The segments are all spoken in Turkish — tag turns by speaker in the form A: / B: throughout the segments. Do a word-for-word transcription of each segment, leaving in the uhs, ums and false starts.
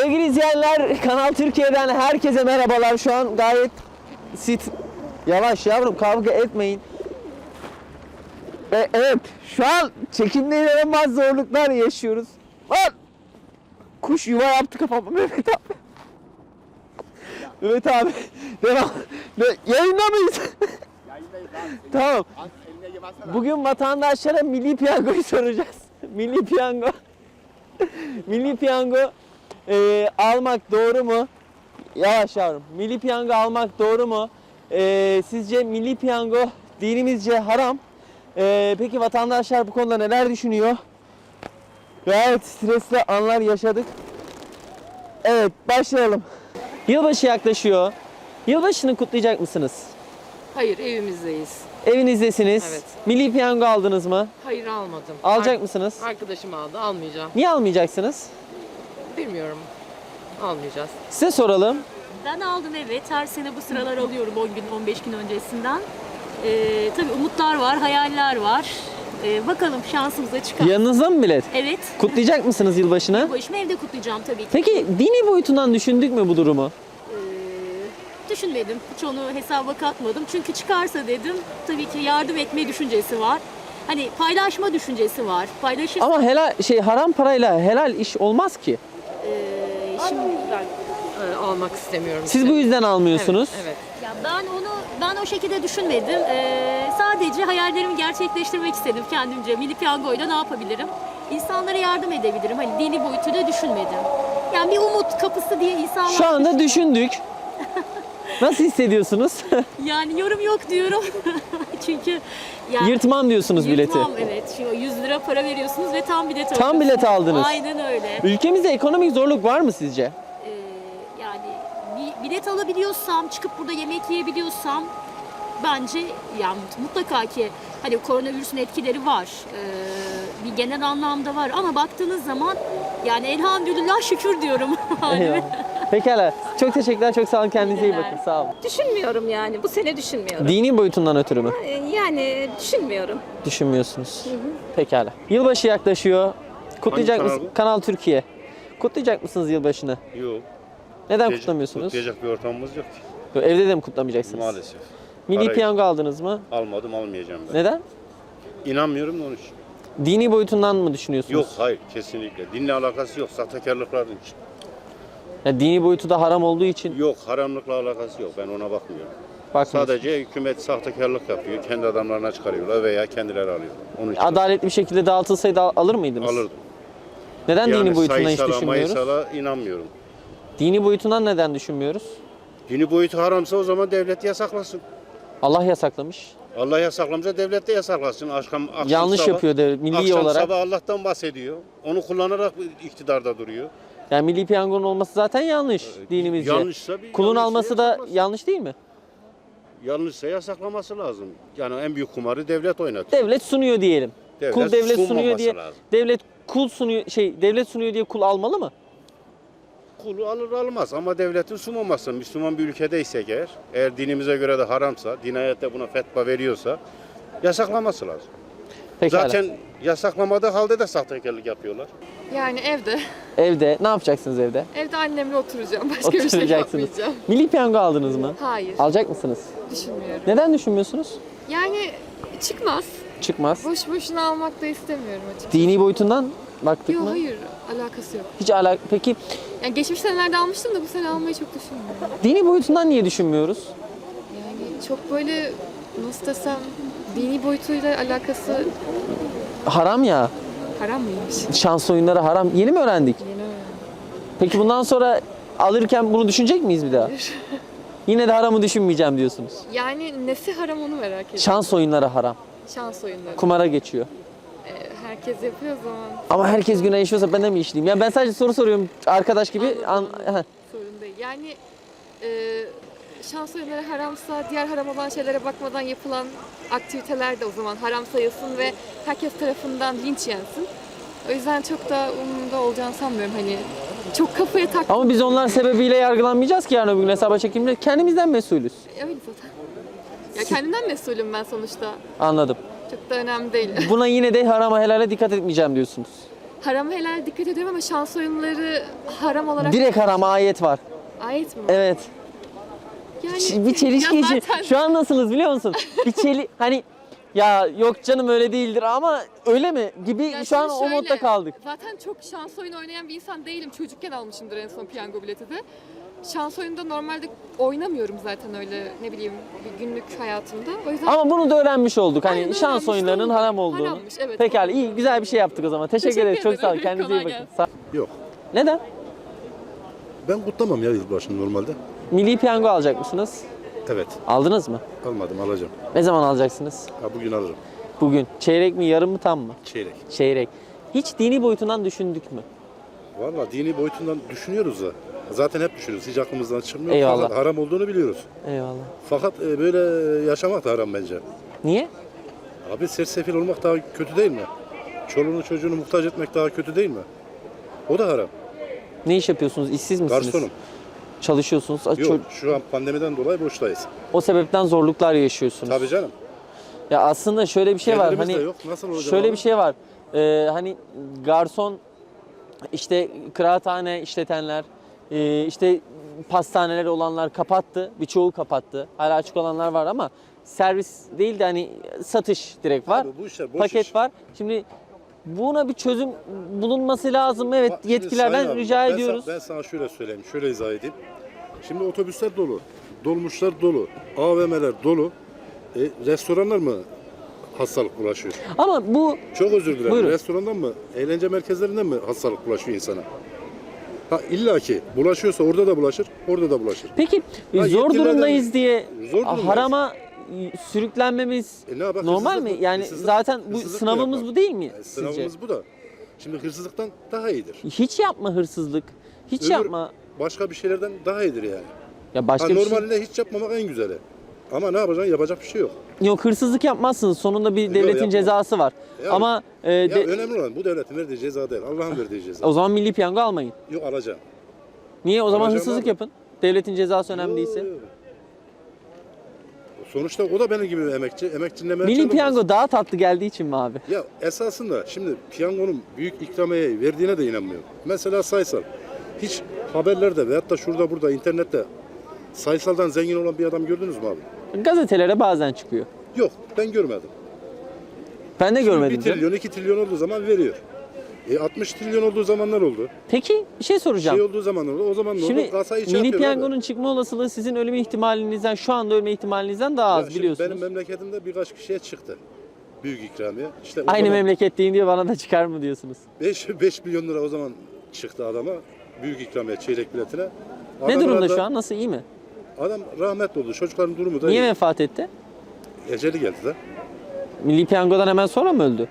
A: Sevgili izleyenler, Kanal Türkiye'den herkese merhabalar. Şu an gayet sit. Yavaş yavrum, kavga etmeyin. E, evet, şu an çekimde inanılmaz zorluklar yaşıyoruz. Lan! Kuş yuva yaptı kafama Mehmet abi. Mehmet abi, devam. Yayında mıyız?
B: Yayındayız abi.
A: Tamam.
B: Eline yemezsene.
A: Bugün vatandaşlara milli piyangoyu soracağız. Milli piyango. Milli piyango e, almak doğru mu? Yavaş yavrum. Milli piyango almak doğru mu? E, sizce milli piyango dinimizce haram? E, peki vatandaşlar bu konuda neler düşünüyor? Gayet stresli anlar yaşadık. Evet, başlayalım. Yılbaşı yaklaşıyor. Yılbaşını kutlayacak mısınız?
C: Hayır, evimizdeyiz.
A: Evinizdesiniz.
C: Evet.
A: Milli piyango aldınız mı?
C: Hayır, almadım.
A: Alacak
C: Ar-
A: mısınız?
C: Arkadaşım aldı, almayacağım.
A: Niye almayacaksınız?
C: Bilmiyorum. Almayacağız.
A: Size soralım.
D: Ben aldım, evet. Her sene bu sıralar alıyorum on gün, on beş gün öncesinden. Ee, tabii umutlar var, hayaller var. Ee, bakalım şansımıza çıkar.
A: Yanınızda mı bilet?
D: Evet.
A: Kutlayacak mısınız yılbaşını?
D: Bu işimi evde kutlayacağım tabii ki.
A: Peki dini boyutundan düşündük mü bu durumu?
D: Ee, düşünmedim. Hiç onu hesaba katmadım. Çünkü çıkarsa dedim, tabii ki yardım etme düşüncesi var. Hani paylaşma düşüncesi var. Paylaşır.
A: Ama helal şey haram parayla helal iş olmaz ki.
D: Ee, şimdi
C: Ben e, almak istemiyorum.
A: Siz
C: işte.
A: bu yüzden almıyorsunuz.
C: Evet, evet.
D: ya ben onu ben o şekilde düşünmedim. Ee, sadece hayallerimi gerçekleştirmek istedim kendimce. Milli piyangoyla ne yapabilirim? İnsanlara yardım edebilirim. Hani dini boyutuyla düşünmedim. Yani bir umut kapısı diye insanlar...
A: Şu anda düşündük. Nasıl hissediyorsunuz?
D: Yani yorum yok diyorum. Çünkü yani
A: Yırtmam diyorsunuz bileti.
D: yırtmam, evet. Şimdi yüz lira para veriyorsunuz ve tam bilet alıyorsunuz.
A: Tam bilet aldınız.
D: Aynen öyle.
A: Ülkemizde ekonomik zorluk var mı sizce?
D: Ee, yani bir bilet alabiliyorsam, çıkıp burada yemek yiyebiliyorsam bence yani mutlaka ki hani koronavirüsün etkileri var. Ee, bir genel anlamda var ama baktığınız zaman yani elhamdülillah şükür diyorum.
A: Eyvallah. Pekala. Çok teşekkürler. Çok sağ olun. Kendinize iyi
D: Teşekkürler.
A: bakın. Sağ olun.
E: Düşünmüyorum yani. Bu sene düşünmüyorum.
A: Dini boyutundan ötürü mü?
E: Ee, Yani düşünmüyorum.
A: Düşünmüyorsunuz. Pekala. Yılbaşı yaklaşıyor. Kutlayacak
B: Hangi
A: mısınız?
B: kanal
A: Kanal Türkiye. Kutlayacak mısınız yılbaşını?
B: Yok.
A: Neden
B: Kutlayacak-
A: kutlamıyorsunuz?
B: Kutlayacak bir ortamımız yok ki.
A: Yok, evde de mi kutlamayacaksınız?
B: Maalesef.
A: Milli
B: Parayı
A: piyango aldınız mı?
B: almadım, almayacağım ben.
A: Neden?
B: İnanmıyorum da onun için.
A: Dini boyutundan mı düşünüyorsunuz?
B: Yok, hayır, kesinlikle. Dinle alakası yok, sahtekarlıkların için.
A: Ya dini boyutu da haram olduğu için
B: Yok, haramlıkla alakası yok. Ben ona bakmıyorum.
A: bakmıyorsunuz.
B: Sadece hükümet sahtekarlık yapıyor. Kendi adamlarına çıkarıyorlar veya kendileri alıyor. Onun için
A: Adaletli bir şekilde dağıtılsaydı al- alır mıydınız?
B: alırdım.
A: Neden dini boyutundan hiç
B: sayısala,
A: düşünmüyoruz?
B: mayısala inanmıyorum.
A: Dini boyutundan neden düşünmüyoruz?
B: Dini boyutu haramsa o zaman devlet yasaklasın.
A: Allah yasaklamış.
B: Allah yasaklamışsa devlet de yasaklasın. Akşam, akşam
A: Yanlış
B: sabah,
A: yapıyor devlet milli
B: akşam
A: olarak.
B: sabah Allah'tan bahsediyor. Onu kullanarak iktidarda duruyor.
A: Yani milli piyangonun olması zaten yanlış dinimizce.
B: Yanlışsa bir
A: Kulun
B: yanlışsa
A: alması da
B: yasaklasın.
A: yanlış değil mi?
B: Yanlışsa yasaklaması lazım. Yani en büyük kumarı devlet oynatıyor.
A: Devlet sunuyor diyelim.
B: Devlet
A: kul devlet sunuyor
B: sunmaması
A: diye
B: lazım.
A: devlet kul sunuyor şey devlet sunuyor diye kul almalı mı?
B: Kulu alır almaz ama devletin sunmaması. Müslüman bir ülkedeysek eğer, eğer dinimize göre de haramsa, din ayette buna fetva veriyorsa yasaklaması lazım.
A: Pekala.
B: Zaten yasaklamadığı halde de sahtekarlık yapıyorlar.
F: Yani evde.
A: Evde ne yapacaksınız evde?
F: Evde annemle oturacağım. Başka bir şey
A: Oturacaksınız.
F: yapmayacağım.
A: Milli piyango aldınız mı?
F: Hayır.
A: Alacak mısınız?
F: Düşünmüyorum.
A: Neden düşünmüyorsunuz?
F: Yani çıkmaz.
A: Çıkmaz.
F: Boş boşuna almak da istemiyorum açıkçası.
A: Dini boyutundan baktık
F: Yok
A: mı?
F: hayır. Alakası yok.
A: Hiç alak. Peki
F: Yani geçmiş senelerde almıştım da bu sene almayı çok düşünmüyorum.
A: dini boyutundan niye düşünmüyoruz?
F: Yani çok böyle nasıl desem dini boyutuyla alakası
A: Haram ya.
F: haram mıymış?
A: Şans oyunları haram. Yeni mi öğrendik?
F: Yeni öğrendim.
A: Peki bundan sonra alırken bunu düşünecek miyiz bir daha? Yine de haramı düşünmeyeceğim diyorsunuz.
F: Yani nesi haram onu merak ediyorum.
A: Şans oyunları haram.
F: Şans oyunları.
A: Kumara geçiyor.
F: Ee, herkes yapıyor o zaman.
A: Ama herkes günah işiyorsa ben de mi işleyeyim? Ya ben sadece soru soruyorum arkadaş gibi. An- Heh.
F: Sorun değil. Yani e, şans oyunları haramsa diğer haram olan şeylere bakmadan yapılan aktiviteler de o zaman haram sayılsın ve herkes tarafından linç yensin. O yüzden çok da umurumda olacağını sanmıyorum. Hani çok kafaya tak.
A: Ama biz onlar sebebiyle yargılanmayacağız ki yarın öbür gün hesaba çekimde. Kendimizden mesulüz.
F: Öyle zaten. Ya kendimden mesulüm ben sonuçta.
A: Anladım.
F: Çok da önemli değil.
A: Buna yine de harama helale dikkat etmeyeceğim diyorsunuz.
F: Haram helal dikkat ediyorum ama şans oyunları haram olarak
A: Direkt haram, ayet var.
F: ait mi?
A: Evet.
F: Yani
A: Ç- Bir çelişki
F: ya
A: için.
F: zaten-
A: Şu an nasılız biliyor musun? Bir çeli hani ya yok canım öyle değildir ama öyle mi gibi
F: Ya
A: şu an
F: şimdi
A: o
F: şöyle,
A: modda kaldık.
F: Zaten çok şans oyunu oynayan bir insan değilim. Çocukken almışımdır en son piyango bileti de. Şans oyununda normalde oynamıyorum zaten öyle ne bileyim bir günlük hayatımda. O yüzden
A: Ama bunu da öğrenmiş olduk. Hani
F: Aynen,
A: şans
F: öğrenmiş
A: oyunlarının
F: olduk.
A: haram olduğunu.
F: Harammış, evet.
A: Pekala iyi güzel bir şey yaptık o zaman. Teşekkür,
F: Teşekkür
A: ederiz. Çok sağ olun.
F: ederim.
A: Kendinize iyi
F: Kolay
A: bakın.
F: gelsin.
A: Sağ-
G: Yok.
A: Neden?
G: Ben kutlamam ya yılbaşını normalde.
A: Milli piyango alacak mısınız?
G: Evet.
A: Aldınız mı?
G: Almadım, alacağım.
A: Ne zaman alacaksınız?
G: Ha, bugün alırım.
A: Bugün. Çeyrek mi, yarım mı, tam mı?
G: Çeyrek.
A: Çeyrek. Hiç dini boyutundan düşündük mü?
G: Valla dini boyutundan düşünüyoruz da. Zaten hep düşünüyoruz. Hiç aklımızdan çıkmıyor.
A: Eyvallah.
G: Fakat haram olduğunu biliyoruz.
A: Eyvallah.
G: Fakat e, böyle yaşamak da haram bence.
A: Niye?
G: Abi sersefil olmak daha kötü değil mi? Çoluğunu çocuğunu muhtaç etmek daha kötü değil mi? O da haram.
A: Ne iş yapıyorsunuz? İşsiz misiniz?
G: Garsonum.
A: Çalışıyorsunuz. Ço-
G: Yok şu an pandemiden dolayı boştayız.
A: O sebepten zorluklar yaşıyorsunuz.
G: Tabii canım.
A: Ya aslında şöyle bir şey var.
G: Gelirimiz
A: Hani
G: de yok. Nasıl olacak
A: şöyle
G: abi?
A: bir şey var. Ee, hani garson işte kıraathane işletenler, e, işte pastaneleri olanlar kapattı. Birçoğu kapattı. Hala açık olanlar var ama servis değil de hani satış direkt var.
G: Abi bu işler boş
A: Paket
G: iş.
A: var. Şimdi buna bir çözüm bulunması lazım. Evet
G: Bak şimdi
A: yetkililerden
G: Sayın abi,
A: rica
G: ben
A: ediyoruz.
G: Sana, ben sana şöyle söyleyeyim, şöyle izah edeyim. Şimdi otobüsler dolu, dolmuşlar dolu, A V M'ler dolu. E, restoranlar mı hastalık bulaşıyor?
A: Ama bu
G: Çok özür dilerim.
A: Buyurun.
G: Restorandan mı, eğlence merkezlerinden mi hastalık bulaşıyor insana? Ha illa ki bulaşıyorsa orada da bulaşır, orada da bulaşır.
A: peki
G: Ya
A: zor
G: yetkililerden-
A: durumdayız diye
G: Zor durumdayız.
A: harama sürüklenmemiz
G: E ne yapar,
A: normal mi?
G: hırsızlık-
A: Yani
G: hırsızlık-
A: zaten bu
G: hırsızlık mı
A: sınavımız
G: yapar?
A: bu değil mi
G: Yani
A: sizce?
G: sınavımız bu da. Şimdi hırsızlıktan daha iyidir.
A: Hiç yapma hırsızlık. Hiç
G: Öbür
A: yapma.
G: Başka bir şeylerden daha iyidir yani.
A: Ya başka
G: Ha,
A: bir şey.
G: normalinde hiç yapmamak en güzeli. Ama ne yapacaksın? Yapacak bir şey yok.
A: Yok hırsızlık yapmazsınız. Sonunda bir devletin
G: yapmam.
A: cezası var.
G: Ya-
A: Ama e,
G: Ya
A: de-
G: önemli olan bu devletin verdiği ceza değil. Allah'ın verdiği ceza.
A: o zaman milli piyango almayın.
G: Yok alacağım.
A: Niye? O zaman
G: Alacağım
A: hırsızlık
G: abi.
A: yapın. Devletin cezası önemli
G: Yo,
A: değilse.
G: yo. Sonuçta o da benim gibi bir emekçi. Emekçinin emeği
A: Milli
G: çalınmaz.
A: piyango daha tatlı geldiği için mi abi?
G: Ya esasında şimdi piyangonun büyük ikramiye verdiğine de inanmıyorum. Mesela sayısal. Hiç haberlerde veyahut da şurada burada internette sayısaldan zengin olan bir adam gördünüz mü abi?
A: Gazetelere bazen çıkıyor.
G: Yok ben görmedim.
A: Ben de görmedim.
G: bir
A: canım.
G: trilyon iki trilyon olduğu zaman veriyor. E altmış trilyon olduğu zamanlar oldu.
A: Peki bir şey soracağım.
G: Şey olduğu zaman oldu. O zaman ne
A: Şimdi
G: oldu? Kasayı
A: milli
G: çarpıyor abi.
A: piyangonun çıkma olasılığı sizin ölüm ihtimalinizden, şu anda ölme ihtimalinizden daha
G: Ya
A: az
G: şimdi
A: biliyorsunuz.
G: Benim memleketimde birkaç kişiye çıktı. Büyük ikramiye. İşte o
A: Aynı
G: zaman
A: memleketteyim diye bana da çıkar mı diyorsunuz?
G: beş milyon lira o zaman çıktı adama. Büyük ikramiye çeyrek biletine.
A: Ne
G: Adam
A: durumda
G: herhalde-
A: şu an? Nasıl, iyi mi?
G: Adam rahmetli oldu. Çocukların durumu da
A: Niye
G: iyi.
A: vefat etti?
G: Eceli geldi de.
A: Milli piyangodan hemen sonra mı öldü?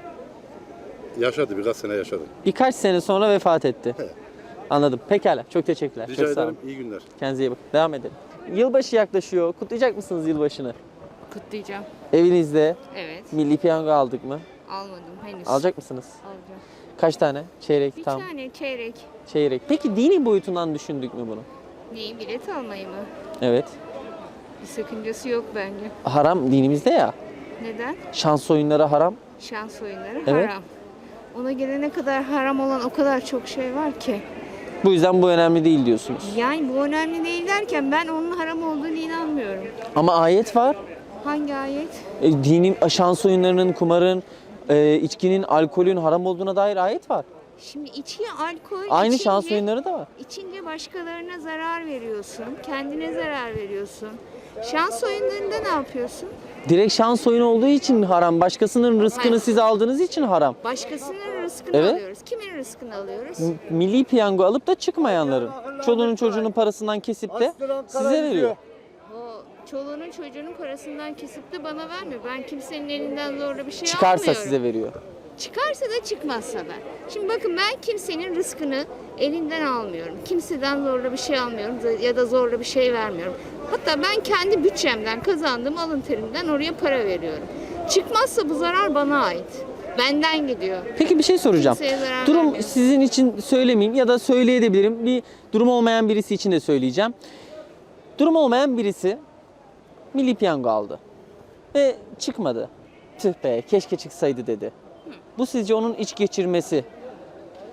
G: Yaşadı. Birkaç sene yaşadı.
A: Birkaç sene sonra vefat etti.
G: He.
A: Anladım. Pekala. Çok teşekkürler.
G: Rica
A: Çok sağ olun.
G: ederim. İyi günler.
A: Kendinize iyi bakın. Devam edelim. Yılbaşı yaklaşıyor. Kutlayacak mısınız yılbaşını?
H: Kutlayacağım.
A: Evinizde
H: Evet.
A: milli piyango aldık mı?
H: Almadım henüz.
A: Alacak mısınız?
H: Alacağım.
A: Kaç tane? Çeyrek,
H: Bir
A: tam,
H: tane çeyrek.
A: çeyrek. Peki dini boyutundan düşündük mü bunu?
H: Neyi? Bilet almayı mı?
A: Evet.
H: Bir sakıncası yok bence.
A: Haram dinimizde ya.
H: Neden?
A: Şans oyunları haram.
H: Şans oyunları
A: Evet.
H: haram. Ona gelene kadar haram olan o kadar çok şey var ki.
A: Bu yüzden bu önemli değil diyorsunuz.
H: Yani bu önemli değil derken ben onun haram olduğunu inanmıyorum.
A: Ama ayet var.
H: Hangi ayet?
A: E, dinin, şans oyunlarının, kumarın, e, içkinin, alkolün haram olduğuna dair ayet var.
H: Şimdi içki, alkol,
A: Aynı
H: içince,
A: şans oyunları da var.
H: içince başkalarına zarar veriyorsun. Kendine zarar veriyorsun. Şans oyunlarında ne yapıyorsun?
A: Direkt şans oyunu olduğu için haram. Başkasının rızkını
H: Hayır.
A: siz aldığınız için haram.
H: Başkasının rızkını
A: Evet.
H: alıyoruz. Kimin rızkını alıyoruz?
A: M- Milli piyango alıp da çıkmayanların. Çoluğunun çocuğunun parasından kesip de size veriyor.
H: O çoluğunun çocuğunun parasından kesip de bana vermiyor. Ben kimsenin elinden zorla bir şey
A: Çıkarsa
H: almıyorum.
A: size veriyor.
H: Çıkarsa da çıkmazsa da. Şimdi bakın ben kimsenin rızkını elinden almıyorum. Kimseden zorla bir şey almıyorum ya da zorla bir şey vermiyorum. Hatta ben kendi bütçemden kazandığım alın terimden oraya para veriyorum. Çıkmazsa bu zarar bana ait. Benden gidiyor.
A: Peki bir şey soracağım.
H: Kimseye zarar
A: Durum
H: vermiyor.
A: sizin için söylemeyeyim ya da söyleyebilirim. Bir durum olmayan birisi için de söyleyeceğim. Durum olmayan birisi milli piyango aldı ve çıkmadı. Tüh be keşke çıksaydı dedi. Bu sizce onun iç geçirmesi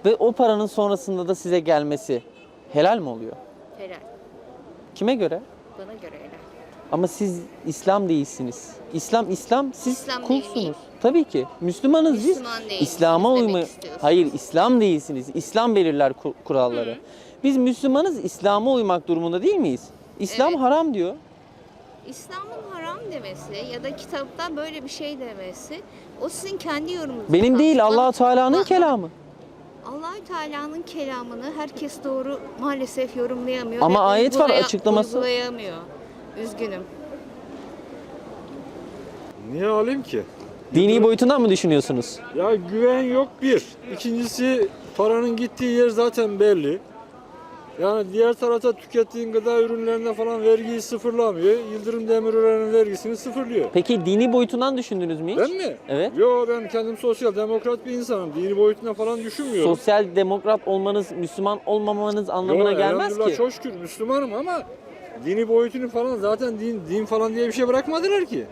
A: Ve o paranın sonrasında da size gelmesi helal mi oluyor?
H: Helal.
A: Kime göre?
H: Bana göre helal.
A: Ama siz İslam değilsiniz. İslam İslam siz
H: İslam değil
A: kulsunuz.
H: miyim?
A: Tabii ki. Müslümanız biz.
H: Müslüman değiliz
A: İslam'a
H: demek
A: uyma.
H: istiyorsunuz.
A: Hayır, İslam değilsiniz. İslam belirler ku- kuralları. Biz Müslümanız, İslam'a uymak durumunda değil miyiz? İslam
H: Evet.
A: haram diyor.
H: İslam'ın haram demesi ya da kitapta böyle bir şey demesi o sizin kendi yorumunuz.
A: Benim değil,
H: aslında.
A: Allah-u Teala'nın
H: Bak-
A: kelamı.
H: Allahü Teala'nın kelamını herkes doğru maalesef yorumlayamıyor.
A: Ama
H: ve
A: ayet var,
H: uygulaya-
A: açıklaması.
H: Uygulayamıyor. Üzgünüm.
I: Niye alayım ki?
A: Dini boyutundan mı düşünüyorsunuz?
I: Ya güven yok bir. İkincisi paranın gittiği yer zaten belli. Yani diğer tarafta tükettiğin gıda ürünlerine falan vergiyi sıfırlamıyor. Yıldırım Demirören'in vergisini sıfırlıyor.
A: Peki dini boyutundan düşündünüz mü hiç?
I: Ben mi?
A: Evet.
I: Yo, ben kendim sosyal demokrat bir insanım. Dini boyutuna falan düşünmüyorum.
A: Sosyal demokrat olmanız, Müslüman olmamanız anlamına
I: Yo,
A: gelmez
I: elhamdülillah
A: ki.
I: çok şükür Müslümanım ama dini boyutunu falan zaten din, din falan diye bir şey bırakmadılar ki.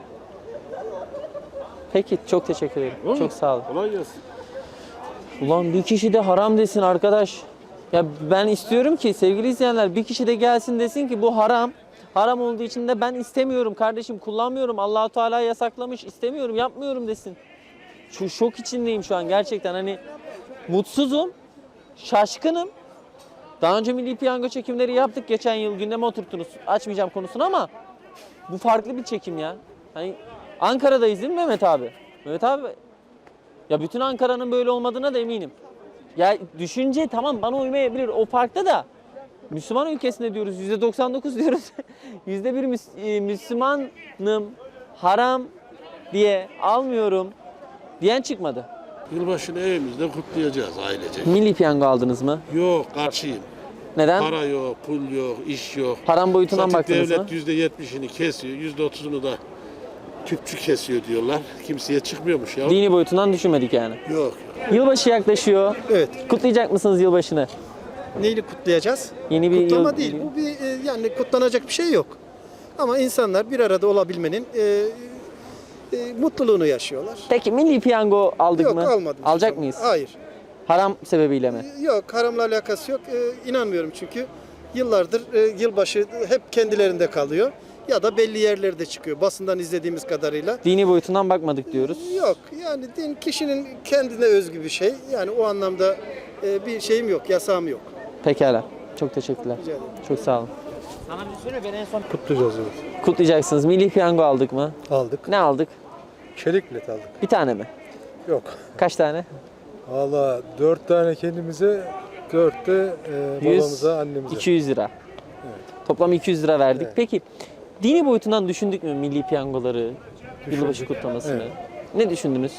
A: Peki, çok teşekkür ederim.
I: Değil mi?
A: Çok sağ olun.
I: Kolay gelsin.
A: Ulan bir kişi de haram desin arkadaş. Ya ben istiyorum ki sevgili izleyenler bir kişi de gelsin desin ki bu haram. Haram olduğu için de ben istemiyorum kardeşim, kullanmıyorum. Allah-u Teala yasaklamış, istemiyorum, yapmıyorum desin. Şu şok içindeyim şu an gerçekten, hani mutsuzum, şaşkınım. Daha önce Milli Piyango çekimleri yaptık, geçen yıl gündeme oturttunuz. Açmayacağım konusunu ama bu farklı bir çekim ya. Hani Ankara'dayız değil mi Mehmet abi? Mehmet abi, ya bütün Ankara'nın böyle olmadığına da eminim. Ya düşünce tamam bana uymayabilir o parkta da Müslüman ülkesinde diyoruz, yüzde doksan dokuz diyoruz. yüzde bir Müs- e, Müslümanım, haram diye almıyorum diyen çıkmadı.
J: Yılbaşını evimizde kutlayacağız ailece.
A: Milli Piyango aldınız mı?
J: Yok, karşıyım.
A: Neden?
J: Para yok, pul yok, iş yok.
A: Haram boyutundan
J: Zaten
A: baktınız mı?
J: devlet yüzde yetmişini kesiyor, yüzde otuzunu da tüpçü kesiyor diyorlar. Kimseye çıkmıyormuş ya.
A: Dini boyutundan düşünmedik yani.
J: Yok.
A: Yılbaşı yaklaşıyor.
K: Evet.
A: Kutlayacak mısınız yılbaşını?
K: Neyle kutlayacağız?
A: Yeni bir
K: Kutlama
A: yıl
K: değil.
A: geliyor.
K: Bu bir e, yani kutlanacak bir şey yok. Ama insanlar bir arada olabilmenin e, e, mutluluğunu yaşıyorlar.
A: Peki Milli Piyango aldık
K: Yok
A: mı?
K: almadım.
A: Alacak mıyız?
K: Hayır.
A: Haram sebebiyle mi?
K: Yok haramla alakası yok. E, inanmıyorum çünkü yıllardır e, yılbaşı hep kendilerinde kalıyor. Ya da belli yerlerde çıkıyor. Basından izlediğimiz kadarıyla.
A: Dini boyutundan bakmadık diyoruz.
K: Yok yani din kişinin kendine özgü bir şey. Yani o anlamda e, bir şeyim yok, yasağım yok.
A: Pekala. Çok teşekkürler.
K: Rica ederim.
A: Çok sağ olun.
G: Kutlayacağız evet.
A: Kutlayacaksınız. Milli Piyango aldık mı?
G: Aldık.
A: Ne aldık?
G: Çelik bilet aldık.
A: Bir tane mi?
G: Yok.
A: Kaç tane?
G: Valla dört tane kendimize, dört de e,
A: Yüz,
G: babamıza, annemize.
A: iki yüz lira. Toplam iki yüz lira verdik.
G: Evet.
A: Peki dini boyutundan düşündük mü milli piyangoları, yılbaşı kutlamasını?
G: Evet.
A: Ne düşündünüz?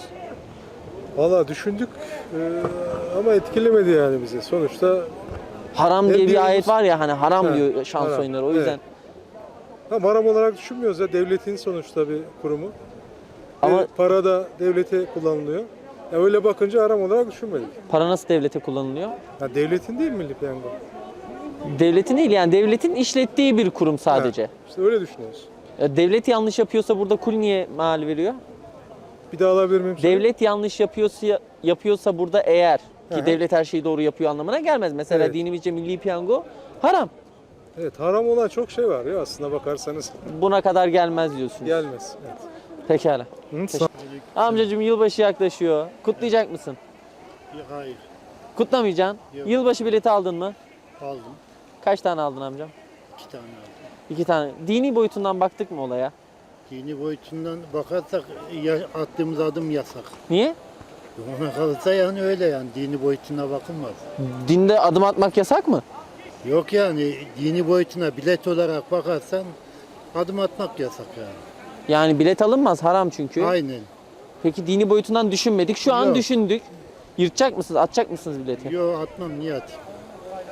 G: Valla düşündük e, ama etkilemedi yani bizi. Sonuçta
A: Haram
G: Ne
A: diye bir
G: diyoruz?
A: ayet var ya hani haram
G: Ha,
A: diyor şans
G: haram.
A: oyunları. O
G: Evet.
A: yüzden
G: tam haram olarak düşünmüyoruz ya. Devletin sonuçta bir kurumu.
A: Ama-
G: Ve para da devlete kullanılıyor. Ya öyle bakınca haram olarak düşünmedik.
A: para nasıl devlete kullanılıyor?
G: Ya devletin değil Milli Piyango.
A: Devletin değil yani devletin işlettiği bir kurum sadece.
G: Ha, işte öyle düşünüyoruz.
A: Ya devlet yanlış yapıyorsa burada kul niye mal veriyor?
G: Bir daha alabilir miyim?
A: Devlet yanlış yapıyorsa yapıyorsa burada eğer ki
G: Hı hı.
A: devlet her şeyi doğru yapıyor anlamına gelmez. Mesela
G: Evet.
A: dinimizce milli piyango haram.
G: Evet haram olan çok şey var ya aslına bakarsanız.
A: Buna kadar gelmez diyorsunuz.
G: Gelmez. Evet.
A: Pekala.
G: Hı,
A: Teşekkür- Amcacığım yılbaşı yaklaşıyor. Kutlayacak mısın?
J: Hayır,
A: Kutlamayacaksın.
J: Yok.
A: Yılbaşı bileti aldın mı?
J: aldım.
A: Kaç tane aldın amcam?
J: İki tane aldım.
A: İki tane. Dini boyutundan baktık mı olaya?
J: Dini boyutundan bakarsak ya, attığımız adım yasak.
A: Niye?
J: Ona kalırsa yani öyle yani dini boyutuna bakılmaz.
A: Dinde adım atmak yasak mı?
J: Yok yani dini boyutuna bilet olarak bakarsan adım atmak yasak yani.
A: Yani bilet alınmaz haram çünkü.
J: Aynen.
A: Peki dini boyutundan düşünmedik. Şu an
J: Yok.
A: düşündük. Yırtacak mısınız? Atacak mısınız bileti?
J: Yok atmam niye atayım?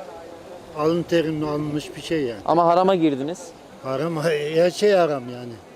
J: Alın terimle alınmış bir şey yani.
A: Ama harama girdiniz.
J: Haram, her şey haram yani.